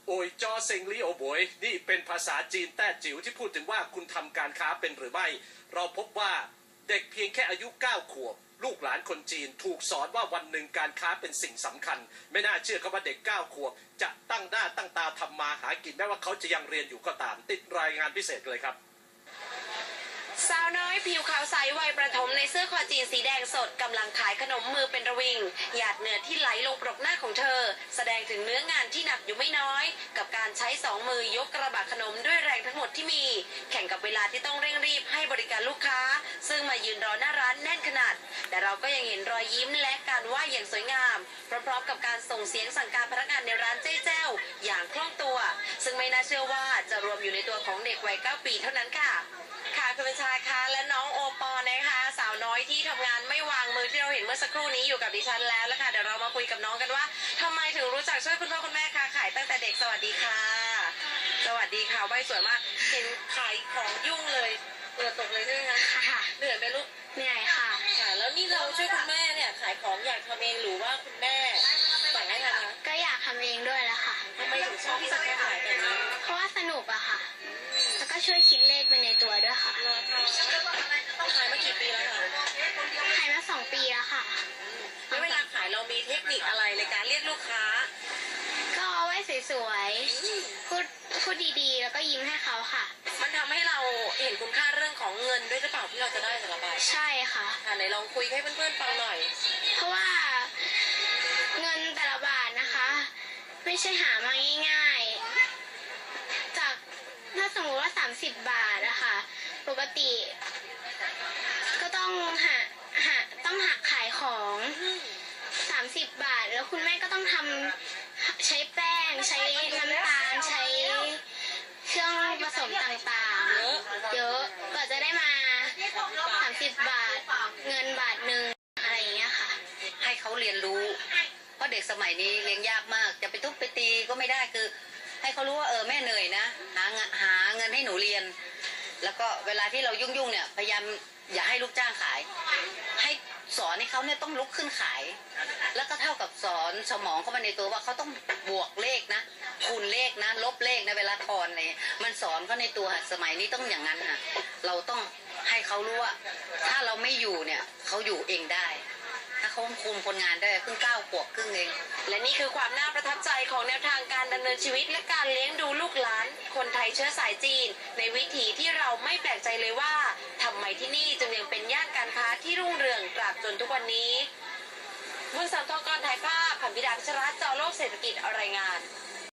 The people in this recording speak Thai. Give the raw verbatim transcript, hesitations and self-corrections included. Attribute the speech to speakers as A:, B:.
A: โอยจอเซิงลี่โอบวยนี่เป็นภาษาจีนแต้จิ๋วที่พูดถึงว่าคุณทำการค้าเป็นหรือไม่เราพบว่าเด็กเพียงแค่อายุเก้าขวบลูกหลานคนจีนถูกสอนว่าวันหนึ่งการค้าเป็นสิ่งสำคัญไม่น่าเชื่อครับว่าเด็กเก้าขวบจะตั้งหน้าตั้งตาทำมาหากินแม้ว่าเขาจะยังเรียนอยู่ก็ตามติดรายงานพิเศษเลยครับ
B: สาวน้อยผิวขาวใสวัยประถมในเสื้อคอจีนสีแดงสดกำลังขายขนมมือเป็นระวิงหยาดเหงื่อที่ไหลลงปรกหน้าของเธอแสดงถึงเนื้องานที่หนักอยู่ไม่น้อยกับการใช้สองมือยกกระบะขนมด้วยแรงทั้งหมดที่มีแข่งกับเวลาที่ต้องเร่งรีบให้บริการลูกค้าซึ่งมายืนรอหน้าร้านแน่นขนาดแต่เราก็ยังเห็นรอยยิ้มและการไหว้อย่างสวยงามพร้อมๆกับการส่งเสียงสั่งการพนักงานในร้านเจ๊แจ้วอย่างคล่องตัวซึ่งไม่น่าเชื่อว่าจะรวมอยู่ในตัวของเด็กวัยเก้าปีเท่านั้นค่ะค่ะคุณประชาคะและน้องโอปอนะคะสาวน้อยที่ทำงานไม่วางมือที่เราเห็นเมื่อสักครู่นี้อยู่กับดิฉันแล้วแล้วค่ะเดี๋ยวเรามาคุยกับน้องกันว่าทำไมถึงรู้จักช่วยคุณพ่อคุณแม่ค้าขายตั้งแต่เด็กสวัสดีค่ะสวัสดีค่ะใบสวยมากเห็นขายของยุ่งเลยเปิดตกเลยใช่ไหมคะค่ะเหนื่อยไหมลูก
C: เหนื่อยค่ะ
B: ค่ะแล้วนี่เราช่วยคุณแม่เนี่ยขายของอยากทำเองหรือว่าคุณแม่สั่งให้ทำคะ
C: ก็อยากทำเองด้วยแหละค่ะ
B: ทำไมถึงชอบที่จะขายแบบนี้
C: เพราะว่าสนุกอะค่ะแล้วก็ช่วยคิดเลขไปในตัวด้วยค่ะ
B: ขายมากี่ปีแล้วคะ
C: ขายมาสองปีแล้วค่ะ
B: แล้วเวลาขายเรามีเทคนิคอะไรในการเรียกลูกค้า
C: ก็เอาไว้สวยๆพูดพูดดีๆแล้วก็ยิ้มให้เขาค่ะ
B: มันทำให้เราเห็นคุณค่าเรื่องของเงินด้วยหรือเปล่าที่เราจะได้แต่ละใบ
C: ใช่ค่ะ
B: ค่ะไหนลองคุยให้เพื่อนๆฟังหน่อย
C: เพราะว่าเงินแต่ละบาทนะคะไม่ใช่หามาง่ายๆจากถ้าสมมติว่าสามสิบบาทนะคะปกติก็ต้องหาหาต้องหักขายของสามสิบบาทแล้วคุณแม่ก็ต้องทำใช้แป้งใช้น้ำตาลใช้เครื่องผสมต่างๆเยอะกว่าจะได้มาสามสิบบาทเงินบาทหนึ่งอะไรอย่างเงี้ยค่ะ
D: ให้เขาเรียนรู้เพราะเด็กสมัยนี้เลี้ยงยากมากจะไปทุบไปตีก็ไม่ได้คือให้เขารู้ว่าเออแม่เหนื่อยนะหาหาเงินให้หนูเรียนแล้วก็เวลาที่เรายุ่งๆเนี่ยพยายามอย่าให้ลูกจ้างขายให้สอนให้เขาเนี่ยต้องลุกขึ้นขายแล้วก็เท่ากับสอนสมองเขามาในตัวว่าเขาต้องบวกเลขนะคูณเลขนะลบเลขนะเวลาทอนอะไรมันสอนเขาในตัวสมัยนี้ต้องอย่างนั้นค่ะเราต้องให้เขารู้ว่าถ้าเราไม่อยู่เนี่ยเขาอยู่เองได้ถ้าเขาคุมคนงานได้เพิ่งเก้าขวบครึ่งเอง
B: และนี่คือความน่าประทับใจของแนวทางการดำเนินชีวิตและการเลี้ยงดูลูกหลานคนไทยเชื้อสายจีนในวิถีที่เราไม่แปลกใจเลยว่าทำไมที่นี่จึงยังเป็นย่านการค้าที่รุ่งเรืองตราบจนทุกวันนี้บุญสัมทองกรถ่ายภาพผันพิดาพิชรัตน์จอโลกเศรษฐกิจรายงาน